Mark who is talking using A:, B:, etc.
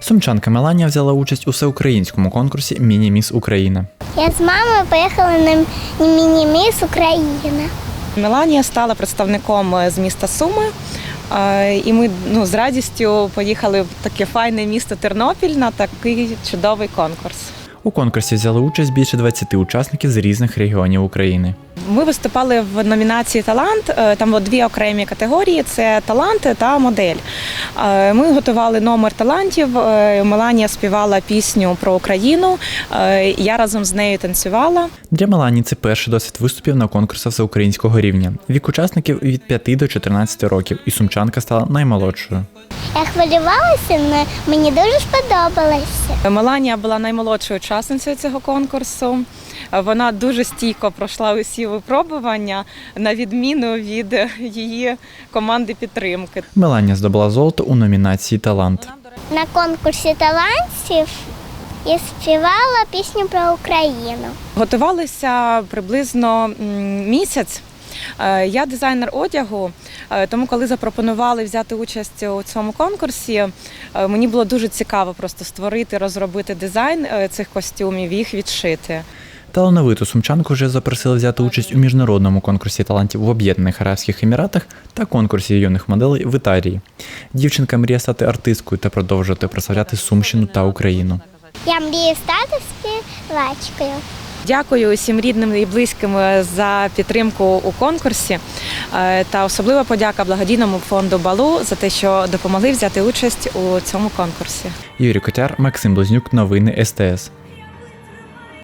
A: Сумчанка Меланія взяла участь у всеукраїнському конкурсі «Міні-міс Україна».
B: Я з мамою поїхала на міні-міс Україна.
C: Меланія стала представником з міста Суми, і ми з радістю поїхали в таке файне місто Тернопіль на такий чудовий конкурс.
A: У конкурсі взяли участь більше 20 учасників з різних регіонів України.
C: Ми виступали в номінації «Талант», там дві окремі категорії – це талант та модель. Ми готували номер талантів, Меланія співала пісню про Україну, я разом з нею танцювала.
A: Для Меланії це перший досвід виступів на конкурсах всеукраїнського рівня. Вік учасників від 5 до 14 років, і сумчанка стала наймолодшою.
B: Я хвилювалася, але мені дуже сподобалося.
C: Меланія була наймолодшою учасницею цього конкурсу. Вона дуже стійко пройшла усі випробування, на відміну від її команди підтримки.
A: Меланія здобула золото у номінації «Талант».
B: На конкурсі талантів я співала пісню про Україну.
C: Готувалися приблизно місяць. Я дизайнер одягу, тому коли запропонували взяти участь у цьому конкурсі, мені було дуже цікаво просто створити, розробити дизайн цих костюмів і їх відшити.
A: Талановиту сумчанку вже запросили взяти участь у міжнародному конкурсі талантів в Об'єднаних Арабських Еміратах та конкурсі юних моделей в Італії. Дівчинка мріє стати артисткою та продовжувати прославляти Сумщину та Україну.
B: Я мрію стати співачкою.
C: Дякую усім рідним і близьким за підтримку у конкурсі та особлива подяка благодійному фонду «Балу» за те, що допомогли взяти участь у цьому конкурсі.
A: Юрій Котяр, Максим Близнюк, новини СТС.